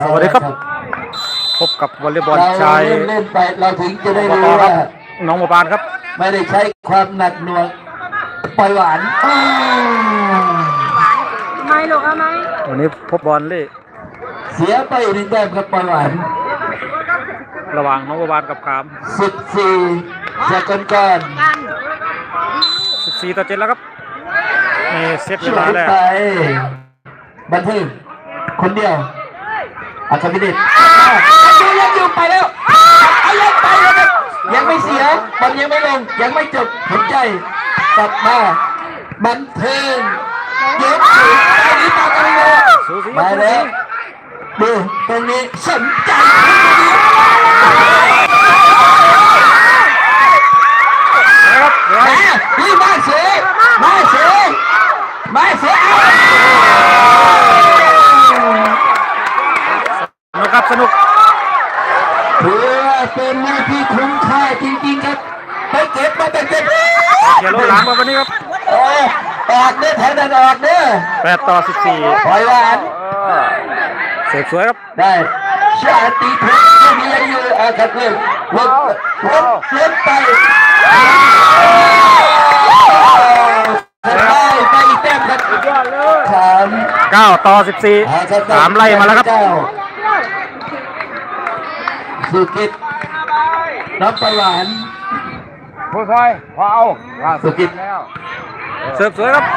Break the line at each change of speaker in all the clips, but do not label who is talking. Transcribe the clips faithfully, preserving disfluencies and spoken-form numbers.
สวัสดีครับพบกับวอลเลย์บอลชาย
เล่นไปเราถึงจะได้
ต่
รู้
อครั
ว่า
บน้องบัวบานครับ
ไม่ได้ใช้ความหนักหน่วงปล่อยหวาน
ทำไมลูกทำไม
วันนี้พบบอลเล่
เสียไปหนึ่งแต้มครับปล่อยหวาน
ระหว่างน้องบัวบานกับขาม
สิบสี่จากก่อนก่อน
สิบสี่ต่อเจ็ดแล้วครับนี่เซตเว
ช่ว
ลายแล้ว
ไปบันทึกคนเดียวอาคาบิเดตยังอยู่ไปแล้วเอายังไปแล้วครับยังไม่เสียบอลยังไม่ลงยังไม่จบหัวใจกลับมาบันเทิงยกสูงตอนนี้ตากันเลย
สูสี
มาแล้วดูตรงนี้สนใจ
นะครับเดี๋ยว
มาพี่มาเสียมาเสียมาเสีย
นะครับสนุก
เพื่อเป็นหน้าที่คุ้มค่าจริงๆครับไปเก็บมาแต่เก็บ
เขียโลหลังมาวันนี้ครับ
โอ้ออกเด้อแถวนั้นออกเด้อ
แปดต่อสิบสี่
ปล่อยหวาน
เสกสวยครับ
ได้ชาติทุกที่มีอายุอาคัดเล่นลดลดลดไปได้ไปอีกแต้มครับสาม
เก้าต่อสิบสี่สามไล่มาแล้วครับ
สุกิตน้ำปลาหวาน
ผู้ชายพอเอาว่า
สุกิต
แล้ว
เสิร์ฟสวยครับ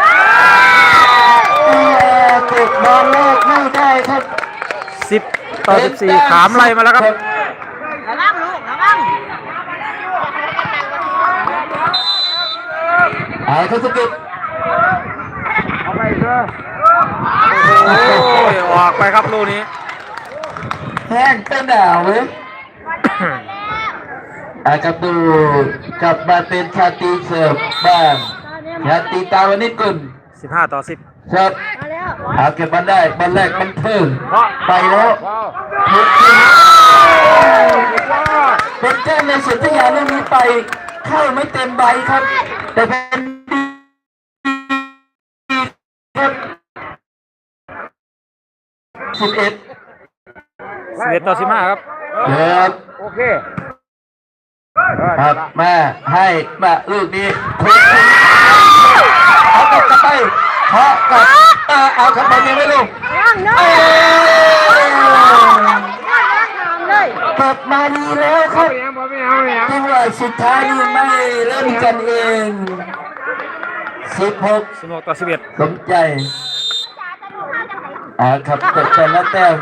ติดบอลแรกไม่ได้ครับ
สิบต่อสิบสี่ขามไล่มาแล้วครับ
ระวังลูกระวัง
เอาครับสุกิต
เอาไปเถอะ
โอ้ยออกไปครับลูกนี้
แห้งเป็นหนาวเว้ยอากับดูกลับมาเป็นชาติเสิร์ฟบ้างชาติตาวนิกุล
สิบห้าต่อสิบ
ครับ
มาแล้ว
เอาเก็บมันได้บอลแรกมันเพิ่งไปแล้ว
พอ
เป็นแก้มในสุดที่ยาเรื่องนี้ไปเข้าไม่เต็มใบครับ แต่เป็นดีครับสิบเอ็ด
สิบเอ็ดต่อสิบห้าครับ
ครับ
โอเค
ครับมาให้มาลูกนี้เอากลับกลับไปเพาะกับเอาครับบอลยังไม่ลง
ระวังเนอะ
เอ้ย
เลย
กลับมาดีแล้วครับ
ไม่เอาไม่เอาไม่เอา
จังหวะสุดท้ายนี่ไม่เล่นกันเองสิบหก
สิบหกต่อสิบเอ็ด
สมใจอ่าครับตกแต่ละแต้ม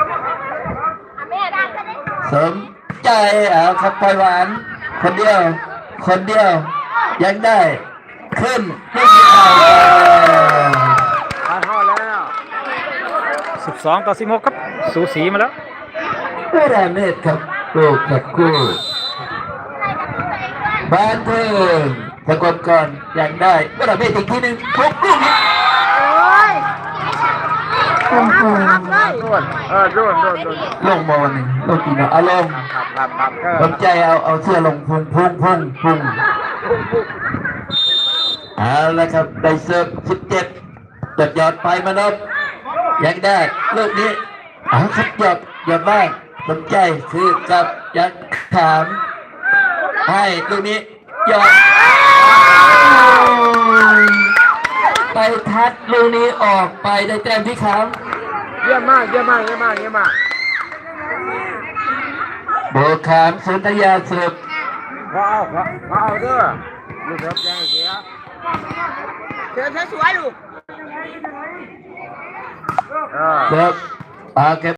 สมใจอ่าครับปล่อยหวานคนเดียว คนเดียว ยังได้ ขึ้นไม่มีเอา
ทานห่อแล้ว
สิบสองต่อสิบหกครับสูสีมาแล้ว
ไม่ได้เมตรครับลูกกับคู่บ้านเพิ่มตะกอนก่อนยังได้ไม่ได้เมตรอีกทีหนึ่งทุกลูกนี้
โอ้ย
โอ้โห
รับเลย
โดนเออโดนโดนโดน
ลงบอลหนึ่งลงกี่เนาะอารมณ์
ครับครับครับเออ
สนใจเอาเอาเสื้อลงพุ่งพุ่งพุ่งพุ่งเอาละครับได้เสิร์ฟสิบเจ็ดจดหยอดไปมานพยังได้ลูกนี้เอาครับหยอดหยอดบ้างสนใจคือกับยังถามให้ลูกนี้หยอดไปทัดลูกนี้ออกไปได้แต้มที่ขาม
เยี่ยมมากเยี่ยมมากเยี่ยมมากเยี่ยมมาก
โบขามสุนทยาเสิร์ฟ
พอเอาพอเอาเด้อลูกเถิบยังเสีย
เชิญสวยๆลูก
เออ
เสิร์ฟอาเก็บ